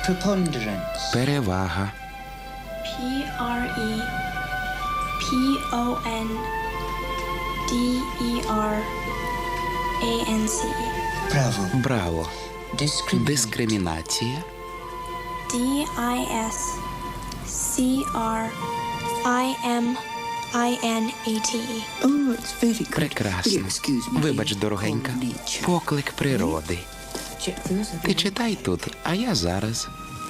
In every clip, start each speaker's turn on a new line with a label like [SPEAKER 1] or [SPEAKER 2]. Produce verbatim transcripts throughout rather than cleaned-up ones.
[SPEAKER 1] Preponderance.
[SPEAKER 2] Перевага.
[SPEAKER 3] P R E P O N D E R A N C E.
[SPEAKER 1] Bravo.
[SPEAKER 2] Браво.
[SPEAKER 1] Discriminate.
[SPEAKER 2] Дискримінація.
[SPEAKER 3] D I S C R I M I N A T E.
[SPEAKER 1] Oh, it's very good.
[SPEAKER 2] Прекрасно.
[SPEAKER 1] Excuse me.
[SPEAKER 2] Вибач, дорогенька.
[SPEAKER 1] Nature.
[SPEAKER 2] Поклик природи.
[SPEAKER 1] Check those.
[SPEAKER 2] Ти читай тут, а я зараз.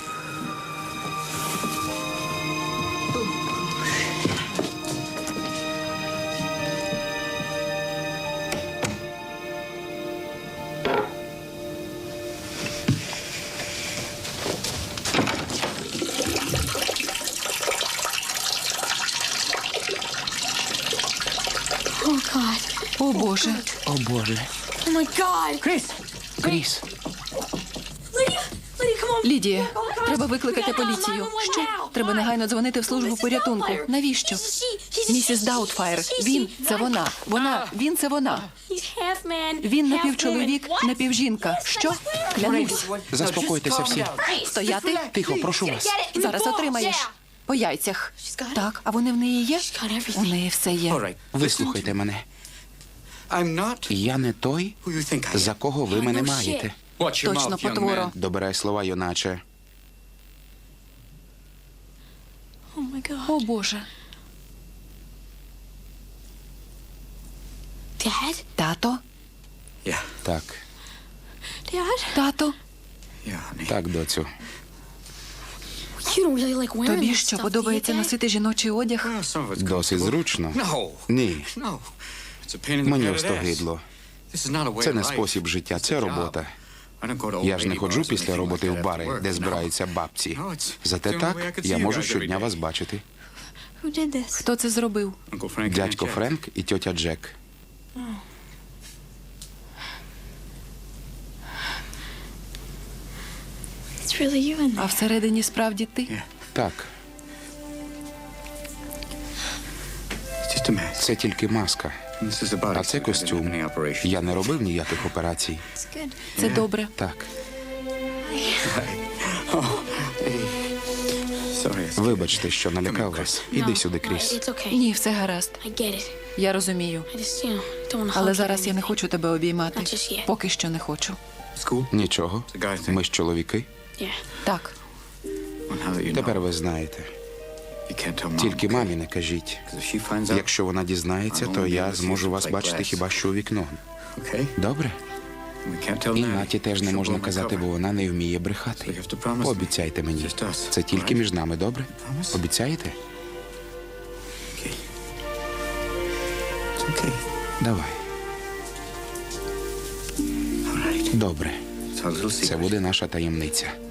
[SPEAKER 3] Oh God.
[SPEAKER 4] О, Боже.
[SPEAKER 2] О, Боже.
[SPEAKER 3] Oh my God.
[SPEAKER 1] Chris.
[SPEAKER 2] Кріс,
[SPEAKER 3] Lydia, Lydia, come on.
[SPEAKER 4] Лідія, треба викликати поліцію. Що? Треба негайно дзвонити в службу порятунку. Навіщо? Місіс Даутфайр. Він – це вона. Вона. Він – це вона. Він напівчоловік, напівжінка. Що? Клянусь.
[SPEAKER 2] заспокойтеся всі.
[SPEAKER 4] Стояти?
[SPEAKER 2] Тихо, прошу вас.
[SPEAKER 4] Зараз отримаєш. По яйцях. Так, а вони в неї є? У неї все є.
[SPEAKER 2] Вислухайте мене.
[SPEAKER 5] I'm not
[SPEAKER 2] Я не той,
[SPEAKER 5] who you think I am.
[SPEAKER 2] за кого ви мене маєте.
[SPEAKER 5] Watch your
[SPEAKER 4] Точно,
[SPEAKER 5] mouth, young
[SPEAKER 4] потворо.
[SPEAKER 5] man.
[SPEAKER 2] Добирай слова, юначе.
[SPEAKER 3] Oh my God.
[SPEAKER 4] О, Боже.
[SPEAKER 3] Dad?
[SPEAKER 4] Тато?
[SPEAKER 5] Yeah,
[SPEAKER 2] Так,
[SPEAKER 3] Dad?
[SPEAKER 4] Тато?
[SPEAKER 5] yeah, honey.
[SPEAKER 2] так, доцю.
[SPEAKER 3] You don't really like wearing
[SPEAKER 4] Тобі
[SPEAKER 3] this
[SPEAKER 4] що,
[SPEAKER 3] stuff, do
[SPEAKER 4] подобається
[SPEAKER 3] you, Dad?
[SPEAKER 4] носити жіночий одяг?
[SPEAKER 5] Well, some of it's
[SPEAKER 2] Досить
[SPEAKER 5] comfortable.
[SPEAKER 2] зручно.
[SPEAKER 5] No,
[SPEAKER 2] Ні,
[SPEAKER 5] no. It's a pain in the
[SPEAKER 2] мені
[SPEAKER 5] butt, it is.
[SPEAKER 2] остогидло.
[SPEAKER 5] This is not a way
[SPEAKER 2] Це
[SPEAKER 5] of
[SPEAKER 2] не
[SPEAKER 5] life.
[SPEAKER 2] спосіб життя,
[SPEAKER 5] It's
[SPEAKER 2] це
[SPEAKER 5] a job.
[SPEAKER 2] робота.
[SPEAKER 5] I don't go to old
[SPEAKER 2] Я ж не
[SPEAKER 5] lady
[SPEAKER 2] ходжу
[SPEAKER 5] bars or
[SPEAKER 2] після
[SPEAKER 5] anything
[SPEAKER 2] роботи
[SPEAKER 5] like
[SPEAKER 2] в
[SPEAKER 5] that
[SPEAKER 2] бари,
[SPEAKER 5] after work,
[SPEAKER 2] де
[SPEAKER 5] you know.
[SPEAKER 2] збираються бабці.
[SPEAKER 5] No, it's-
[SPEAKER 2] Зате
[SPEAKER 5] it's the only
[SPEAKER 2] так
[SPEAKER 5] way I could see
[SPEAKER 2] я
[SPEAKER 5] you
[SPEAKER 2] можу
[SPEAKER 5] guys every
[SPEAKER 2] щодня
[SPEAKER 5] day.
[SPEAKER 2] вас бачити.
[SPEAKER 3] Who did this?
[SPEAKER 4] Хто це зробив?
[SPEAKER 5] Uncle Frank and
[SPEAKER 2] Дядько
[SPEAKER 5] Aunt Jack.
[SPEAKER 2] Френк і тьотя Джек.
[SPEAKER 3] It's really you in
[SPEAKER 4] А
[SPEAKER 3] there.
[SPEAKER 4] всередині справді ти?
[SPEAKER 2] Так,
[SPEAKER 5] It's just a mess.
[SPEAKER 2] це тільки маска.
[SPEAKER 5] And this is about
[SPEAKER 2] А це
[SPEAKER 5] it. I didn't have
[SPEAKER 2] костюм.
[SPEAKER 5] any operations.
[SPEAKER 2] Я не робив ніяких операцій.
[SPEAKER 3] It's good.
[SPEAKER 4] Це добре.
[SPEAKER 2] Так,
[SPEAKER 5] Sorry.
[SPEAKER 2] вибачте, що налякав вас. Іди сюди,
[SPEAKER 3] No,
[SPEAKER 2] Кріс.
[SPEAKER 3] It's okay.
[SPEAKER 4] Ні, все гаразд.
[SPEAKER 3] I get it.
[SPEAKER 4] Я розумію.
[SPEAKER 3] I just, you know, don't want to
[SPEAKER 4] Але
[SPEAKER 3] hug you
[SPEAKER 4] зараз
[SPEAKER 3] or
[SPEAKER 4] я не
[SPEAKER 3] anything.
[SPEAKER 4] хочу тебе обіймати.
[SPEAKER 3] Not just yet.
[SPEAKER 4] Поки що не хочу.
[SPEAKER 5] School?
[SPEAKER 2] Нічого.
[SPEAKER 5] It's a guy thing.
[SPEAKER 2] Ми ж чоловіки.
[SPEAKER 3] Yeah.
[SPEAKER 4] Так,
[SPEAKER 5] Well, now that you
[SPEAKER 2] Тепер
[SPEAKER 5] know,
[SPEAKER 2] ви знаєте.
[SPEAKER 5] you can't tell Mom.
[SPEAKER 2] Тільки
[SPEAKER 5] okay?
[SPEAKER 2] мамі не кажіть.
[SPEAKER 5] 'Cause if she finds out,
[SPEAKER 2] Якщо вона дізнається, то я зможу вас бачити хіба що у вікно.
[SPEAKER 5] okay?
[SPEAKER 2] Добре?
[SPEAKER 5] We can't tell
[SPEAKER 2] І
[SPEAKER 5] Natty.
[SPEAKER 2] Наті теж не
[SPEAKER 5] She'll
[SPEAKER 2] можна
[SPEAKER 5] blow my
[SPEAKER 2] казати,
[SPEAKER 5] cover.
[SPEAKER 2] бо вона не вміє
[SPEAKER 5] So you
[SPEAKER 2] брехати.
[SPEAKER 5] have to promise me.
[SPEAKER 2] Пообіцяйте мені.
[SPEAKER 5] Just us,
[SPEAKER 2] Це тільки
[SPEAKER 5] alright?
[SPEAKER 2] між нами, добре?
[SPEAKER 5] Promise?
[SPEAKER 2] Обіцяєте?
[SPEAKER 5] Okay. It's okay.
[SPEAKER 2] Давай.
[SPEAKER 5] All right.
[SPEAKER 2] Добре.
[SPEAKER 5] It's our little
[SPEAKER 2] Це
[SPEAKER 5] secret.
[SPEAKER 2] буде наша таємниця.